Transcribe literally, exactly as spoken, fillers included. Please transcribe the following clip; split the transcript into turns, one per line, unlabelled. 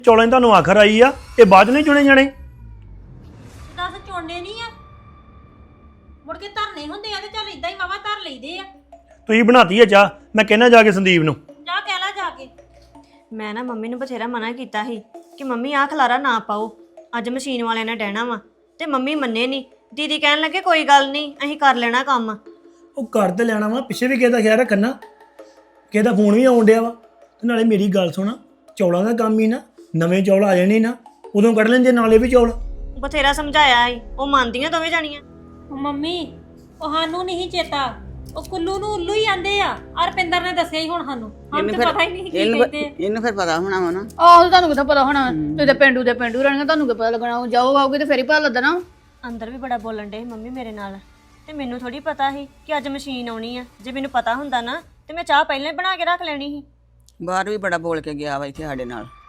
ਚੌਲਾਂ 'ਚ ਤੁਹਾਨੂੰ ਆਖਰ ਆਈ ਆ ਇਹ ਬਾਅਦ 'ਚ ਨਹੀਂ ਚੁਣੇ ਜਾਣੇ।
ਦੱਸ ਚੋਣੇ ਨਹੀਂ ਆ ਮੁੜ ਕੇ ਧਰਨੇ ਹੁੰਦੇ ਆ ਤੇ ਚੱਲ ਇਦਾਂ ਹੀ ਵਾਵਾ ਧਰ ਲਈਦੇ ਆ।
ਤੁਸੀਂ ਬਣਾਤੀ ਆ ਚਾਹ, ਮੈਂ ਕਹਿਣਾ ਜਾ ਕੇ ਸੰਦੀਪ ਨੂੰ।
ਜਾ ਕਹਿ ਲੈ ਜਾ ਕੇ।
ਮੈਂ ਨਾ ਮੰਮੀ ਨੂੰ ਬਥੇਰਾ ਮਨਾ ਕੀਤਾ ਸੀ ਕਿ ਮੰਮੀ ਆਹ ਖਲਾਰਾ ਨਾ ਪਾਓ, ਅੱਜ ਮਸ਼ੀਨ ਵਾਲਿਆਂ ਨੇ ਡਹਿਣਾ ਵਾ, ਤੇ ਮੰਮੀ ਮੰਨੇ ਨਹੀਂ। ਦੀਦੀ ਕਹਿਣ ਲੱਗੇ ਕੋਈ ਗੱਲ ਨਹੀਂ ਅਸੀਂ ਕਰ ਲੈਣਾ ਕੰਮ।
ਉਹ ਘਰ ਤੇ ਲੈਣਾ ਵਾ, ਪਿੱਛੇ ਵੀ ਕਿਸੇ ਦਾ ਖਿਆਲ ਰੱਖਣਾ, ਕਿਸੇ ਦਾ ਫੋਨ ਵੀ ਆਉਣ ਡਿਆ ਵਾ। ਤੇ ਨਾਲੇ ਮੇਰੀ ਗੱਲ ਸੁਣ, ਚੌਲਾਂ ਦਾ ਕੰਮ ਹੀ ਨਾ, ਨਵੇਂ ਚੌਲ ਆ ਜਾਣੇ ਨਾ ਉਦੋਂ ਕੱਢ ਲੈਂਦੇ ਨਾਲੇ ਵੀ ਚੌਲ।
ਬਥੇਰਾ ਸਮਝਾਇਆ ਸੀ, ਉਹ ਮੰਨਦੀਆਂ ਦੋਵੇਂ ਜਾਣੀਆਂ।
ਉਹ ਮੰਮੀ ਉਹ ਸਾਨੂੰ ਨਹੀਂ ਚੇਤਾ, ਉਹ ਕੁੱਲੂ ਨੂੰ ਉੱਲੂ ਹੀ ਆਂਦੇ ਆ। ਅਰਪਿੰਦਰ ਨੇ ਦੱਸਿਆ ਹੀ ਹੁਣ ਸਾਨੂੰ, ਸਾਨੂੰ ਤਾਂ ਪਤਾ ਹੀ ਨਹੀਂ ਕੀ ਕਹਿੰਦੇ ਆ।
ਇਹਨੂੰ ਫਿਰ ਪਤਾ ਹੋਣਾ ਵਾ ਨਾ।
ਆਹੋ ਤੁਹਾਨੂੰ ਕਿੱਥੇ ਪਤਾ ਹੋਣਾ, ਤੁਸੀਂ ਤੇ ਪਿੰਡੂ ਦੇ ਪਿੰਡੂ ਰਹਿਣਗੇ, ਤੁਹਾਨੂੰ ਕੀ ਪਤਾ ਲੱਗਣਾ। ਜਾਓ ਆਓਗੇ ਤੇ ਫੇਰ ਹੀ ਪਤਾ ਲੱਗਣਾ।
ਅੰਦਰ ਵੀ ਬੜਾ ਬੋਲਣ ਡੇ ਮੰਮੀ ਮੇਰੇ ਨਾਲ, ਤੇ ਮੈਨੂੰ ਥੋੜੀ ਪਤਾ ਸੀ ਕਿ ਅੱਜ ਮਸ਼ੀਨ ਆਉਣੀ ਆ। ਜੇ ਮੈਨੂੰ ਪਤਾ ਹੁੰਦਾ ਨਾ ਤੇ ਮੈਂ ਚਾਹ ਪਹਿਲਾਂ ਹੀ ਬਣਾ ਕੇ ਰੱਖ ਲੈਣੀ ਸੀ।
ਬਾਹਰ ਵੀ ਬੜਾ ਬੋਲ ਕੇ ਗਿਆ ਵਾ ਇੱਥੇ ਸਾਡੇ ਨਾਲ।